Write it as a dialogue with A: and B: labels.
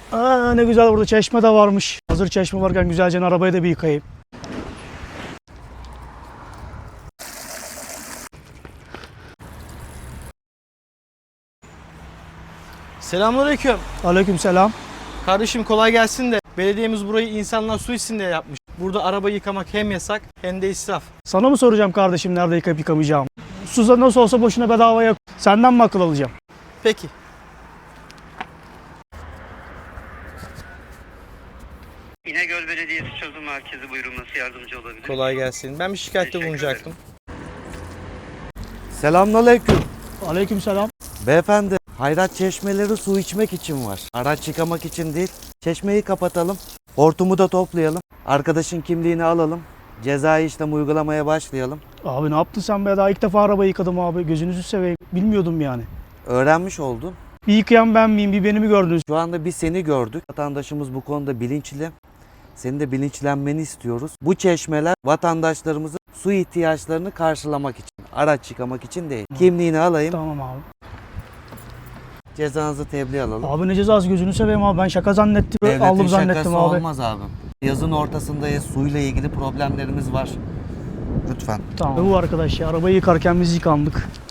A: Aa, ne güzel, burada çeşme de varmış. Hazır çeşme varken güzelce arabayı da bir yıkayayım.
B: Selamünaleyküm.
A: Aleykümselam.
B: Kardeşim kolay gelsin de belediyemiz burayı insanlar su içsin diye yapmış. Burada araba yıkamak hem yasak hem de israf.
A: Sana mı soracağım kardeşim nerede yıkayıp yıkamayacağım? Suza nasıl olsa boşuna bedavaya. Senden mi akıl alacağım?
B: Peki.
C: İnegöl Belediyesi Çözüm Merkezi, buyurun, nasıl yardımcı olabilir?
B: Kolay gelsin. Ben bir şikayette
C: Teşekkür
B: bulunacaktım.
D: Selamünaleyküm.
A: Aleykümselam.
D: Beyefendi, hayrat çeşmeleri su içmek için var. Araç yıkamak için değil. Çeşmeyi kapatalım. Hortumu da toplayalım. Arkadaşın kimliğini alalım. Cezai işlem uygulamaya başlayalım.
A: Abi ne yaptın sen be? Daha ilk defa arabayı yıkadım abi. Gözünüzü seveyim. Bilmiyordum yani.
D: Öğrenmiş oldun.
A: Bir yıkayan ben miyim? Bir beni mi gördünüz?
D: Şu anda bir seni gördük. Vatandaşımız bu konuda bilinçli. Senin de bilinçlenmeni istiyoruz. Bu çeşmeler vatandaşlarımızın su ihtiyaçlarını karşılamak için. Araç yıkamak için değil. Kimliğini alayım.
A: Tamam abi.
D: Cezanızı tebliğ alalım.
A: Abi ne cezası, gözünü seveyim abi. Ben şaka zannettim.
D: Devletin
A: Aldım zannettim
D: şakası
A: abi.
D: olmaz abi. Yazın ortasındayız. Suyla ilgili problemlerimiz var. Lütfen.
A: Tamam. Bu arkadaş ya, arabayı yıkarken biz yıkandık.